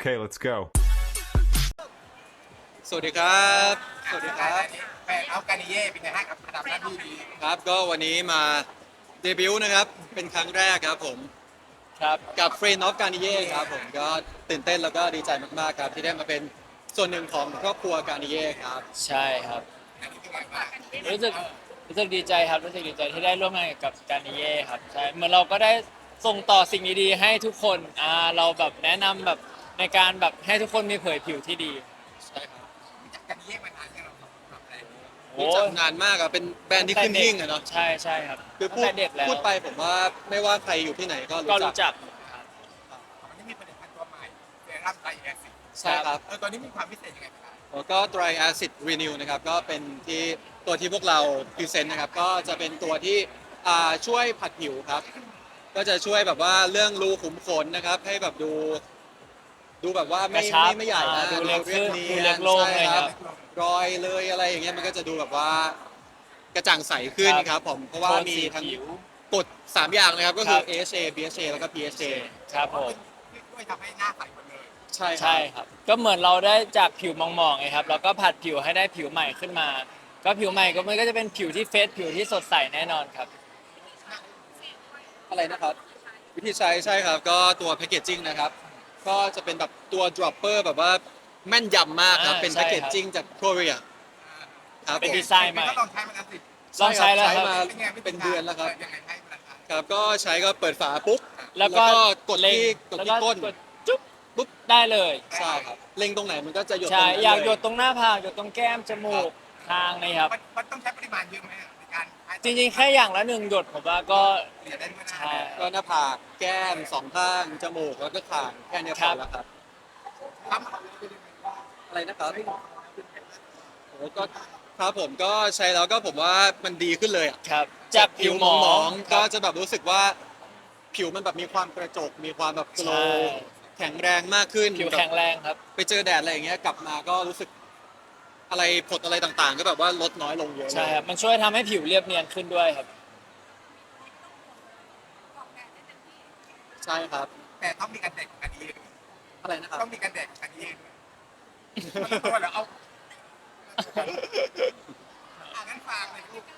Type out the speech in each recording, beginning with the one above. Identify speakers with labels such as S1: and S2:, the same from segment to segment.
S1: Okay, let's go.
S2: สวัสดีครับสวัสดีครับ
S3: แฟนอัฟกานิเย่เป็นไงฮะกับระดับหน้าที่นี้
S2: ครับก็วันนี้มาเดบิวต์นะครับเป็นครั้งแรกครับผมครับกับ Friend of g a r n i e r ครับผมก็ตื่นเต้นแล้วก็ดีใจมากๆครับที่ได้มาเป็นส่วนหนึ่งของครอบครัว g a r n i e r ครับ
S4: ใช่ครับ
S3: อันนี้เป็นไงบ้าง
S4: รู้สึกรู้สึกดีใจครับรู้สึกดีใจที่ได้ร่วมงานกับการนิเย่ครับใช่เหมือนเราก็ได้ส่งต่อสิ่งดีๆให้ทุกคนเราแบบแนะนำแบบในการแบบให้ทุกคนมีเผยผิวที่ดี
S2: ใช่ครับ
S3: รู้จักกานิเย่มานานยังเราทำอะไร
S2: รู้จักนานมากอะเป็นแบรนด์ที่ขึ้นหิ้งอะเนาะ
S4: ใช่ใช่ครับ
S2: คือ
S4: ตั้งแต่เด็กแล้ว
S2: พูดไปผมว่าไม่ว่าใครอยู่ที่ไหนก็
S4: ก็
S2: รู้
S4: รู้
S2: จั
S4: จั
S2: ก
S4: กครับ
S3: มันจะมีผลิตภัณฑ์ตัวใหม่เซรั่มไตรแอซิด
S2: ใช่ครับ
S3: ตัวนี้มีความพิเศษยังไงบ้าง
S2: แล้วก็ Dry Acid Renew นะครับก็เป็นที่ตัวที่พวกเราพรีเซนต์นะครับก็จะเป็นตัวที่ช่วยผัดผิวครับ ก็จะช่วยแบบว่าเรื่องรูขุมขนนะครับ ให้แบบดูแบบว่าไม่
S4: กระชับ
S2: ไม่ใหญ่นะ
S4: ดูเล็กขึ้น
S2: นี
S4: ดูเล็กโล่ง
S2: ใช่
S4: เลย
S2: ค
S4: ครั
S2: รับบ รอยเลยอะไรอย่างเงี้ยมันก็จะดูแบบว่ากระจ่างใสขึ้นครับผมเพราะว่ามี
S4: โทนสี
S2: ทั้ง
S4: ผิว
S2: กฎ3อย่างนะครับก็คือ
S4: ครับ
S2: AHA BHA แล้วก็ PHA
S4: ครับผม
S3: ช่วยทำให้หน้าใสหมดเลย
S2: ใช่ครั
S4: ใช่
S2: บ
S4: ครับก็เหมือนเราได้จากผิวมองๆไงครับเราก็ผัดผิวให้ได้ผิวใหม่ขึ้นมา ก็ผิวใหม่ก็มันก็จะเป็นผิวที่เฟรชผิวที่สดใสแน่นอนครับ
S2: อะไรนะครับวิธีใช้ใช่ครับก็ตัวแพคเกจจิ้งนะครับก็จะเป็นแบบตัว dropper แบบว่าแม่นยำมากครับเป็น
S4: ใช่
S2: แพค
S4: ครับ
S2: เกจจิ้งจากโคเรียครับ
S4: เป็น
S2: ผม
S4: ดีไซน์ใหม่
S3: ก็ลองใช้มันแล้วสิ
S4: ลองใช้แล้วครับ
S2: มา
S3: เป็นไง
S2: เป็นเดือนแล้วครับ
S3: ยังไงให้มันทาน
S2: ครับก็ใช้ก็เปิดฝาปุ๊บ
S4: แล้วก็
S2: กด
S4: เล็ง
S2: ที่กด
S4: แล้ว
S2: ที่ก้น
S4: กดจุ๊บปุ๊บได้เลย
S2: ใช่ครับเล็งตรงไหนมันก็จะหยดตร
S4: ใช่
S2: งนั้น
S4: อยาก
S2: เล
S4: หยดตรงหน้าผากหยดตรงแก้มจมูกคางนี่ครับ
S3: มันต้องใช้ปริมาณเยอะไหมในการให้
S4: จริงๆแค่อย่างละ1หยดผมว่าก็
S3: เรียนได้ด้วยนะ
S4: ใช่
S2: ก็หน้าผากแก้มสองข้างจมูกแล้วก็คางแค่เนี้ยพ
S4: ครั
S2: อบ แล้วครับ
S3: ครับ
S2: อะไรนะครับโอ้ก็ครับผมก็ใช้แล้วก็ผมว่ามันดีขึ้นเลยอะ
S4: ครับจากผิวหมอง
S2: ก็จะแบบรู้สึกว่าผิวมันแบบมีความกระจกมีความแบบโกล
S4: ใช่
S2: ว์แข็งแรงมากขึ้น
S4: ผิวแข็งแรงครับ
S2: ไปเจอแดดอะไรอย่างเงี้ยกลับมาก็รู้สึกอะไรผดอะไรต่างๆ ก็แบบว่าลดน้อยลงเยอะเลย
S4: ใช่ครับมันช่วยทำให้ผิวเรียบเนียนขึ้นด้วยครับ
S2: ใช่ครับ
S3: แต่ต้องมีการแดดของกานิเย่ด้วย
S2: อะไรนะครับ
S3: ต้องมีการแดดของกานิเย่ด้วยตัวเหรอเอางั้นฝากเลยลูก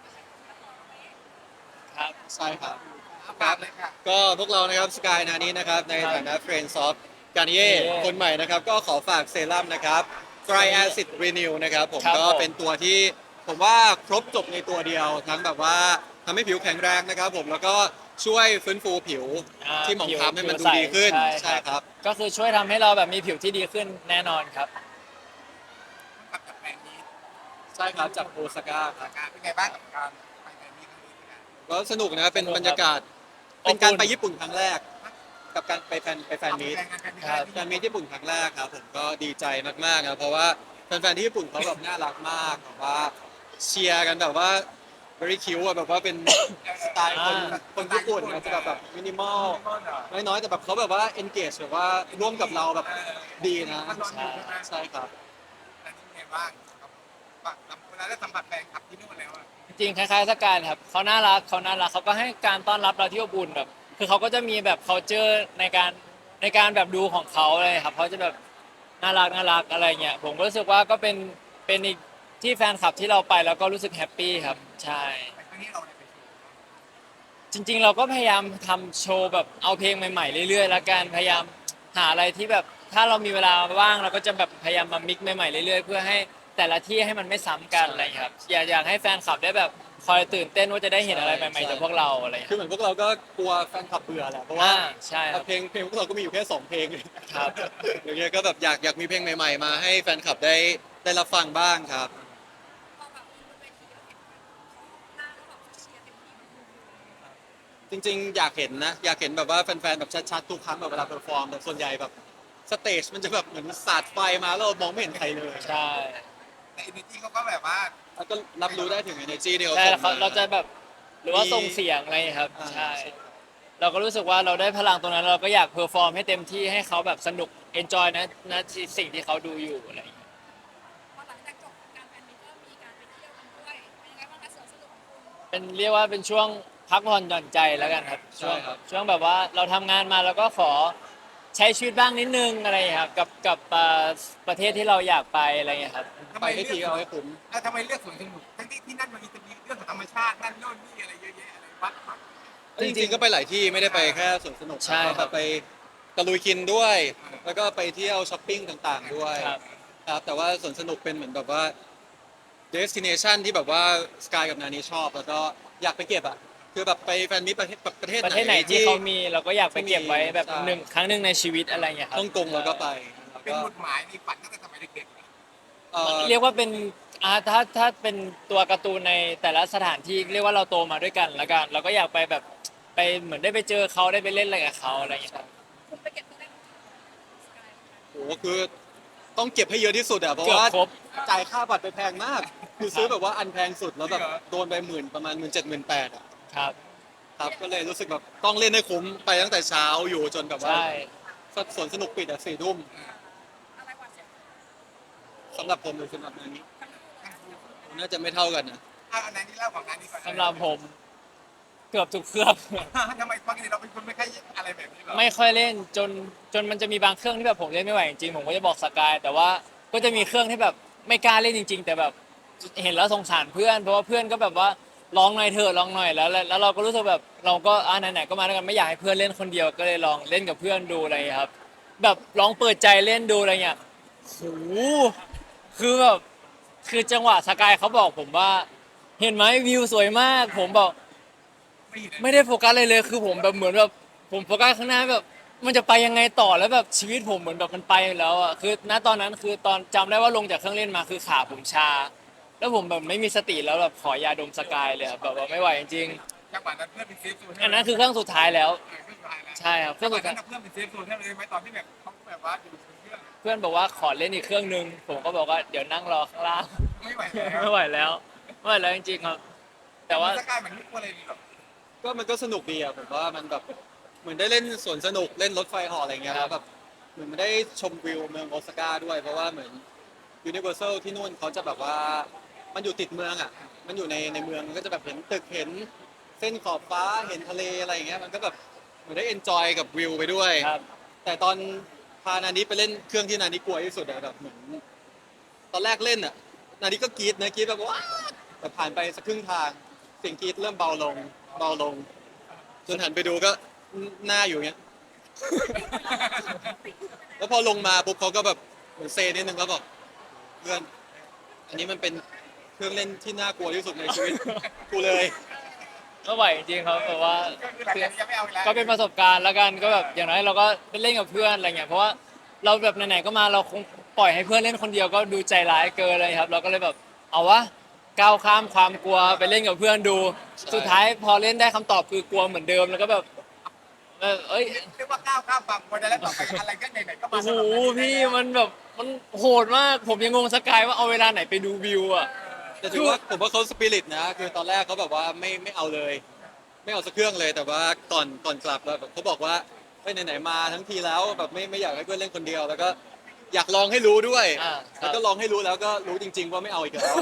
S4: ครับ
S2: ใช่ครับ
S3: ฝากเลยค่ะ
S2: ก็พวกเรานะครับสกายนานี้นะครับในฐานะ Friends of Garnier คนใหม่นะครับก็ขอฝากเซรั่มนะครับ Dry Acid Renew นะครับผม
S4: ครับ
S2: ก็
S4: ผม
S2: เป็นตัวที่ผมว่าครบจบในตัวเดียว ทั้งแบบว่าทำให้ผิวแข็งแรงนะครับผมแล้วก็ช่วยฟื้นฟูผิวที่หมองคล้ำให้มันดูดีขึ้นใช่ครับ
S4: ก็คือช่วยทำให้เราแบบมีผิวที่ดีขึ้นแน่นอนครับ
S3: กับจากแบรนด์นี้
S2: ใช่ครับจากโอซาก้าครับ
S3: เป็นไงบ้างกับการไปแบรนด์นี้ครั้งนี้นะ
S2: ก็สนุกนะเป็น
S4: สนุกครับ
S2: บรรยากาศ
S4: อบอุ่น
S2: เป็นการไปญี่ปุ่นครั้งแรก กับการไปแฟนมีต
S4: ครับ
S2: แฟนมีตญี่ปุ่นครั้งแรกครับผมก็ดีใจมากๆนะเพราะว่าแฟนๆที่ญี่ปุ่นเขาแบบน่ารักมากแบบว่าเชียร์กันแบบว่า very cute อะแบบว่าเป็นสไตล์คนญี่ปุ่นนะจะแบบมินิมอลน้อยๆแต่แบบเขาแบบว่า engage แบบว่าร่วมกับเราแบบดีนะ
S4: ใช่
S2: ใช่ครับ
S3: อันนี้เป็นไงบ้างครับเวลาได้สัมผัสแฟนคลับที่นู่นแล้วอะ
S4: จริงๆคล้ายๆสกายครับเขาน่ารักเขาก็ให้การต้อนรับเราที่อบอุ่นแบบคือเขาก็จะมีแบบ culture ในการแบบดูของเขาเลยครับเขาจะแบบน่ารักอะไรเงี้ยผมก็รู้สึกว่าก็เป็นอีกที่แฟนคลับที่เราไปแล้วก็รู้สึกแฮปปี้ครับใช่
S3: ไปครั้งนี้เราเนี่ยไปโชว์
S4: จริงๆเราก็พยายามทำโชว์แบบเอาเพลงใหม่ๆเรื่อยๆแล้วกันพยายามหาอะไรที่แบบถ้าเรามีเวลาว่างเราก็จะแบบพยายามมามิกซ์ใหม่ๆเรื่อยๆเพื่อให้แต่ละที่ให้มันไม่ซ้ำกันอะไรอย่างเงี้ยครับอยากให้แฟนคลับได้แบบคอยตื่นเต้นว่าจะได้เห็นอะไรใหม่ๆจากพวกเราอะไรอย่าง
S2: คือ
S4: เงี้ย
S2: เหมือนพวกเราก็กลัวแฟนคลับเบื่อแหละเพราะว่า
S4: ใช่ครับ
S2: เพลงพวกเราก็มีอยู่แค่2เพลง
S4: ครับ
S2: อย่างเงี้ยก็แบบอยากมีเพลงใหม่ๆมาให้แฟนคลับได้รับฟังบ้างครับ จริงๆ อยากเห็นนะ อยากเห็นแบบว่าแฟนๆ แบบชัดๆ ทุกครั้งแบบเวลาเพอร์ฟอร์มแต่ส่วนใหญ่แบบสเตจมันจะแบบเหมือนสาดไฟมาแล้วเรามองไม่เห็นใครเลย
S4: ใช่
S3: แต่อินดี้เขาก็แบบว่า
S2: แล้วก็รับรู้ได้ถึง energy ที่เขา
S4: ใช่
S2: ส่งมา
S4: เราจะแบบหรือว่า
S2: มี
S4: ส่งเสียงอะไรครับ
S2: อ่า
S4: ใช่เราก็รู้สึกว่าเราได้พลังตรงนั้นเราก็อยากเพอร์ฟอร์มให้เต็มที่ให้เขาแบบสนุกเอนจอยนะสิ่งที่เขาดูอยู่อะไรอย่างเงี้ย
S5: พอหลังจากจบการแฟนมิตก็มีการไปเที่ยวกันด้วย เป็นยังไงบ้างคะสวนสนุกของคุณ
S4: เป็นเรียกว่าเป็นช่วงพักผ่อนหย่อนใจแล้วกันครับ
S2: ใช่ครับ
S4: ช่วงแบบว่าเราทำงานมาแล้วก็ขอใช้ชีวิตบ้างนิดนึงอะไรอย่างเงี้ยครับกับประเทศที่เราอยากไปอะไรอย่างเงี้ยครับ
S2: ไปให้ทีเอาให้คุ้ม
S3: ทำไมเลือกสวนสนุกทั้งที่ที่นั่นมันจะมีเรื่องของธรรมชาตินั่นโน่นนี่อะไรเยอะแยะอะไรวัด
S2: จริงๆก็ไปหลายที่ไม่ได้ไปแค่สวนสนุก
S4: ใช่
S2: ก็
S4: ครับ
S2: ไปตะลุยกินด้วย แล้วก็ไปเที่ยวช้อปปิ้งต่างๆด้วย
S4: ครับ
S2: ครับแต่ว่าสวนสนุกเป็นเหมือนแบบว่า destination ที่แบบว่าสกายกับนานี้ชอบ แล้วก็อยากไปเก็บอ่ะคือแบบไปแฟนมิตรประเทศ
S4: ประเทศไหนที่เขามีเราก็อยากไปเก็บไว้แบบ
S2: ใช่
S4: ครั้งหนึ่งในชีวิตอะไรอย่างเงี้ยครับ
S2: ฮ่องกงเราก็ไปแล้ว
S3: เป็น
S2: ก็
S3: หมุดหมายในฝันตั้งแต่สมัยเด็กๆ
S4: เรียกว่าเป็นถ้าเป็นตัวการ์ตูนในแต่ละสถานที่เรียกว่าเราโตมาด้วยกันแล้วกันเราก็อยากไปแบบไปเหมือนได้ไปเจอเขาได้ไปเล่นอะไรกับเขาอะไรอย่างเงี้ยครับ
S5: คุณไปเก็บตัวเลขสกาย
S2: โอ้โหคือต้องเก็บให้เยอะที่สุดอะเพราะ
S4: เกือบ
S2: ว่า
S4: ครบ
S2: จ่ายค่าบัตรไปแพงมาก คือซื้อแบบว่าอันแพงสุดแล้วแบบ
S3: จริงเหรอ
S2: โดนไปประมาณ17,000-18,000อะ
S4: ครับ
S2: ครับก็เลยรู้สึกแบบต้องเล่นให้คุ้มไปตั้งแต่เช้าอยู่จนแบบว่า
S4: ใช่
S2: สวนสนุกปิดอ่ะ4 ทุ่ม
S5: อะไรกว่าเสียง
S2: สำหรับผมหรือสำหรับนั้น
S5: ทั้งคู่เลย
S2: น่าจะไม่เท่ากันนะ
S3: อันนั้นนี่เล่าของนั้นนี่ก่อน
S4: สำหรับผมเกือบทุกเครื่อง
S3: ทำไมปกติเราเป็นคนไม่ค่อยอะไรแบบนี้หรอ
S4: ไม่ค่อยเล่นจนมันจะมีบางเครื่องที่แบบผมเล่นไม่ไหวจริงๆผมก็จะบอกสกายแต่ว่าก็จะมีเครื่องที่แบบไม่กล้าเล่นจริง ๆ แต่แบบเห็นแล้วสงสารเพื่อนเพราะว่าเพื่อนก็แบบว่าลองหน่อยเถอะลองหน่อยแล้วเราก็รู้สึกแบบเราก็ไหนๆก็มาด้วยกันไม่อยากให้เพื่อนเล่นคนเดียวก็เลยลองเล่นกับเพื่อนดูอะไรอย่างเงี้ยครับแบบลองเปิดใจเล่นดูอะไรเงี้ยโหคือแบบคือจังหวะสกายเขาบอกผมว่า เห็นไหมวิวสวยมากผมบอก
S3: ไม่เห็น
S4: ไม่ได้โฟกัสเลยคือผมแบบเหมือนแบบผมโฟกัสข้างหน้าแบบมันจะไปยังไงต่อแล้วแบบชีวิตผมเหมือนแบบมันไปแล้วอ่ะคือณตอนนั้นคือตอนจำได้ว่าลงจากเครื่องเล่นมาคือขาผมชา แล้วผมแบบไม่มีสติแล้วแบบขอยาดมสกายเลยอะแบบว่าไม่ไหวจริง
S3: จังหวะนั้นเพื่อนเป็นเซฟโซน
S4: ๆอันนั้นคือเครื่องสุดท้ายแล้ว
S3: เครื่องสุดท้ายแล้ว
S4: ใช่ครับเค
S3: จั
S4: รื่
S3: ง
S4: อง
S3: หวะ
S4: สุด
S3: นั้
S4: ท้าย
S3: นเพื่อนเป็นเซฟโซนให้เลยไหมตอนที่แบบเขาแบบว่าอยู่บนเครื่อง
S4: เพื่อนบอกว่าขอเล่นอีกเครื่องนึงผมก็บอกว่าเดี๋ยวนั่งรอข้างล่าง
S3: ไม่ไหวแล้ว
S4: ไม่ไหวแล้วไม่ไหวแล้วจริงๆครับ แต่ว่า
S3: สกายเหมือนไม่กลัวอะไรเลยหรอ
S2: ก็มันก็สนุกดีอะผมว่ามันแบบเหมือนได้เล่นสวนสนุกเล่นรถไฟเหาะอะไรเงี้ยแล้วแบบเหมือนมันได้ชมวิวเมืองโอซาก้าด้วยเพราะว่าเหมือนยูนิเวอร์แซลที่นู่นเขาจะแบบว่ามันอยู่ติดเมืองอ่ะมันอยู่ในเมืองมันก็จะแบบเห็นตึกเห็นเส้นขอบฟ้าเห็นทะเลอะไรอย่างเงี้ยมันก็แบบเหมือนได้เอนจอยกับวิวไปด้วย
S4: ครับ
S2: แต่ตอนพานานิไปเล่นเครื่องที่นานิกลัวที่สุดอะแบบเหมือนตอนแรกเล่นอะนานิก็กรี๊ดนะกรี๊ดแบบว้าแต่ผ่านไปสักครึ่งทางเสียงกรี๊ดเริ่มเบาลงเบาลง จนหันไปดูก็หน้าอยู่เงี้ย แล้วพอลงมาปุ๊บเขาก็แบบเหมือนเซนิดนึงแล้วบอกเพื่อนอันนี้มันเป็นเครื่องเล่นที่น่ากลัวที่สุดในชีวิต กูเลย
S4: ก็ไหวจริงๆครับแบบว่า
S3: ก็คือหลังจากนี้จะไม่เอาอีกแล้ว
S4: ก็เป็นประสบการณ์แล้วกันก็แบบอย่างน้อยเราก็ไปเล่นกับเพื่อนอะไรเงี้ยเพราะว่าเราแบบไหนๆก็มาเราคงปล่อยให้เพื่อนเล่นคนเดียวก็ดูใจร้ายเกินเลยครับ เราก็เลยแบบเอาวะก้าวข้ามความกลัวไปเล่นกับเพื่อนดู
S2: ใช่
S4: สุดท้ายพอเล่นได้คำตอบคือกลัวเหมือนเดิมแล้วก็แบบเอ้ย
S3: เรียกว่าก้าวข้ามความกลัวได้แล้วต่อไปอะไรก็ไหนๆก็มา
S4: โอ้โหพี่มันแบบมันโหดมากผมยังงงสกายว่าเอาเวลาไหนไปดูวิวอ่ะ
S2: แต่ถือว่าผมว่าเขาสปิริตนะคือตอนแรกเขาแบบว่าไม่เอาเลย ไม่เอาสักเครื่องเลยแต่ว่าก่อนกลับแล้วแบบเขาบอกว่าเฮ้ยไหนๆมาทั้งทีแล้วแบบไม่อยากให้เพื่อนเล่นคนเดียว แล้วก็อยากลองให้รู้ด้วย
S4: อ่าค
S2: แล้
S4: รั
S2: ว
S4: บ
S2: ก็ลองให้รู้แล้วก็รู้จริง ๆ ว่าไม่เอาอีกแล้ว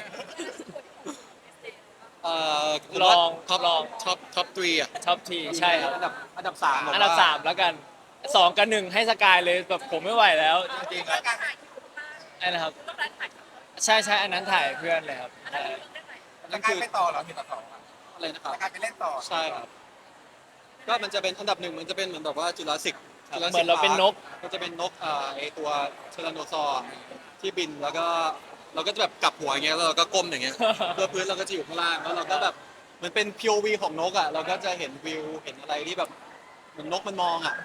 S2: ผมว่าท็อป3อ่ะ
S4: ท็อปทีใช่ครับ
S2: อันดับ3ผมว่า
S4: อันดับ3แล้วกัน2กับ1ให้สกายเลยแบบผมไม่ไหวแล้วจริงๆครับ
S3: การ
S4: ไอ้นะครับ
S5: ต้องร้านขาย
S4: ใช่อันนั้นถ่ายเพื่อนเลยครับ
S5: อันนั้นเรื่องได้ไหน
S3: สกายไปต่อเหรอมีต่อ
S2: อะไรนะครับ
S3: สกายไปเล่นต่อ
S2: ใช่ครับ ก็มันจะเป็นอันดับ 1มันจะเป็นเหมือนแบบว่าจุลศิก
S4: เหมือนเราเป็นนก
S2: มันจะเป็นนกไอตัวเทอร์โนซอร์ที่บินแล้วก็เราก็จะแบบกลับหัวอย่างเงี้ยแล้วเราก็ก้มอย่างเงี้ย เพื่อพื้นเราก็จะอยู่ข้างล่างแล้วเราก็แบบเหมือนเป็น POV ของนกอ่ะเราก็จะเห็นวิวเห็นอะไรที่แบบเหมือนนกมันมองอ่ะ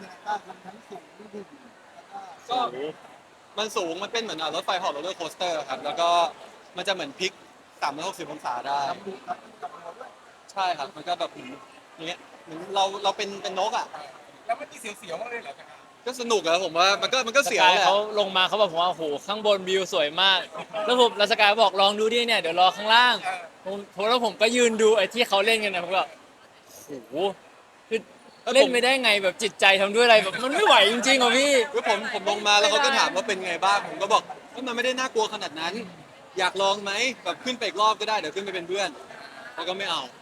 S2: ก็มันสูงมันเป็นเหมือนรถไฟเหาะโรลเลอร์โคสเตอร์ครับแล้วก็มันจะเหมือนพลิก360องศาได้ใช่ครับมันก็แบบเหมือนอย่างเงี้ยเหมือนเราเป็นนกอ่ะ
S3: แล้วมันมีเสียวๆมากเลยเหรอสกาย
S2: ก็สนุกอะผมว่ามันก็
S4: ส
S2: เสียว
S4: กาย
S2: แหละ
S4: เขาลงมาเขาบอกผมว่าโอ้โหข้างบนวิวสวยมาก แล้วสกายบอกลองดูดิเนี่ยเดี๋ยวรอข้างล่างผมก็ยืนดูไอ้ที่เขาเล่นกันนะผมก็โอ้โหคือเล่นไม่ได้ไงแบบจิตใจทำด้วยอะไรแบบมันไม่ไหวจริงๆอ่ะพี่
S2: คือผมลงมาแล้วเขาก็ถามว่าเป็นไงบ้างผมก็บอกว่ามันไม่ได้น่ากลัวขนาดนั้น อยากลองไหมแบบขึ้นไปอีกรอบก็ได้เดี๋ยวขึ้นไปเป็นเพื่อนเขาก็ไม่เอา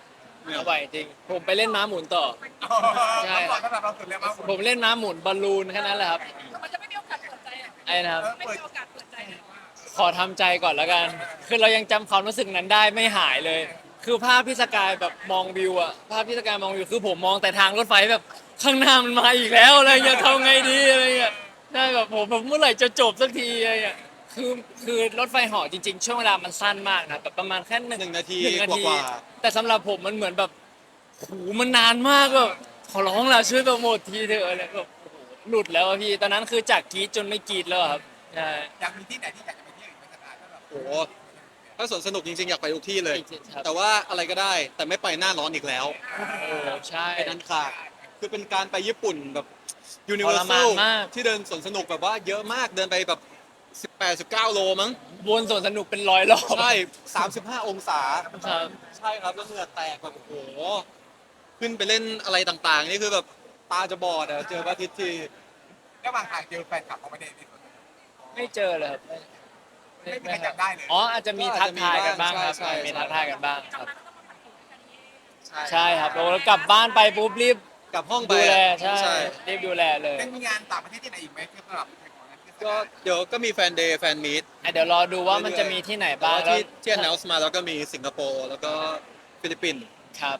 S4: เอาไหวจริง ผมไปเล่นม้าหมุนต่อ ใช่
S3: ใช่ก่อนสำหรับเราสุดแล้วมาหมด
S4: ผมเล่นม้าหมุนบอลลูนแค่นั้นแหละครับ
S5: มันจะไม่มีโอกาสเปิดใจอ่ะ
S4: ไอ้นะครับ
S5: ไม่มีโอกาสเปิดใจอ่ะ
S4: ขอทำใจก่อนแล้วกัน คือเรายังจำความรู้สึกนั้นได้ไม่หายเลย คือภาพพี่สกายแบบมองวิวอะภาพพี่สกายมองวิวคือผมมองแต่ทางรถไฟแบบข้างหน้ามันมาอีกแล้วอะไรเงี้ยทำไงดีอะไรเงี้ยใช่แบบผมเมื่อไหร่จะจบสักทีอะไรเงี้ยคือรถไฟเหาะจริงๆช่วงเวลามันสั้นมากนะแบบประมาณแค่หนึ่ง
S2: 1 นาที
S4: หนึ่งนาก ที
S2: ว่า
S4: แต่สำหรับผมมันเหมือนแบบโหมันนานมากแบบขอร้องละช่วยโปรโมททีเถอะอะไรแบบโอ้โหหลุดแล้วอะพี่ตอนนั้นคือจากกรีดจนไม่กรีดแล้วอะครับใช่
S3: อยากมีที่ไหนที่อยากจะไปเที่ยวอีกไหมสกายถ้าแบบ
S2: โอ้โหถ้าสวนสนุกจริงๆ อยากไปทุกที่เลย
S4: ครับ
S2: แต่ว่าอะไรก็ได้แต่ไม่ไปหน้าร้อนอีกแล้ว
S4: โอ้ใช่
S2: เป็นอันขาดคือเป็นการไปญี่ปุ่นแบบยูนิ
S4: ท
S2: เวอ
S4: ร
S2: ร์แซ
S4: มาน
S2: ล
S4: มาก
S2: ที่เดินสวนสนุกแบบว่าเยอะมากเดินไปแบบ18-19 โลมั้ง
S4: วนสวนสนุกเป็นร้อยรอบ
S2: ใช่ 35 องศา
S4: ครับ
S2: ใช่ครับแล้วเหงื่อแตกแบบโอ้โห ขึ้นไปเล่นอะไรต่างๆ นี่คือแบบตาจะบอดอะเจอพระอาทิตย์ที
S3: ระหว่างทางเจอแฟนคลับเขาไม่ได้ในส่วน
S4: ไม่เจอเลยครับ
S3: ไม่มีใครจำได้เลย
S4: อ๋ออาจจะมีทักทายกันบ้างครับ
S2: ใช่
S4: มีทักทายกันบ้างครับ
S5: กลับมาก็ต้องมาผัดผลกันนี้
S4: ใช่ครับแล้วกลับบ้านไปปุ๊บรีบ
S2: กลับห้องไป
S4: ดูแล
S2: อะ
S4: ใช่รีบดูแลเลย
S3: ยังมีงานต่างประเทศที่ไหนอีกไหมที่สำหรับของนั้นที่ส
S2: ก็
S3: กาย
S2: เดี๋ยวก็มีแฟนเดย์แฟนมีต
S4: เดี๋ยวรอดูว่ามันจะมีที่ไหน
S2: แต่
S4: บ้าง
S2: ว่า
S4: แล้ว
S2: ที่ announce มาแล้วก็มีสิงคโปร์แล้วก็ฟิลิปปินส์
S4: ครับ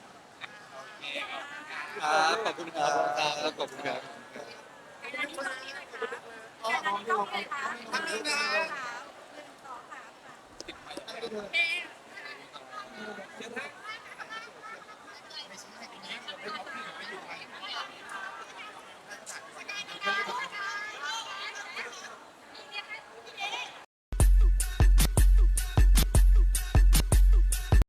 S2: ครับขอบคุณครับขอบคุณครับ
S5: อันนี้ตรงนี้เลยค่ะอันนี้ต้องเลยค่ะทำนี้นะ1 2 3ค่ะโอเค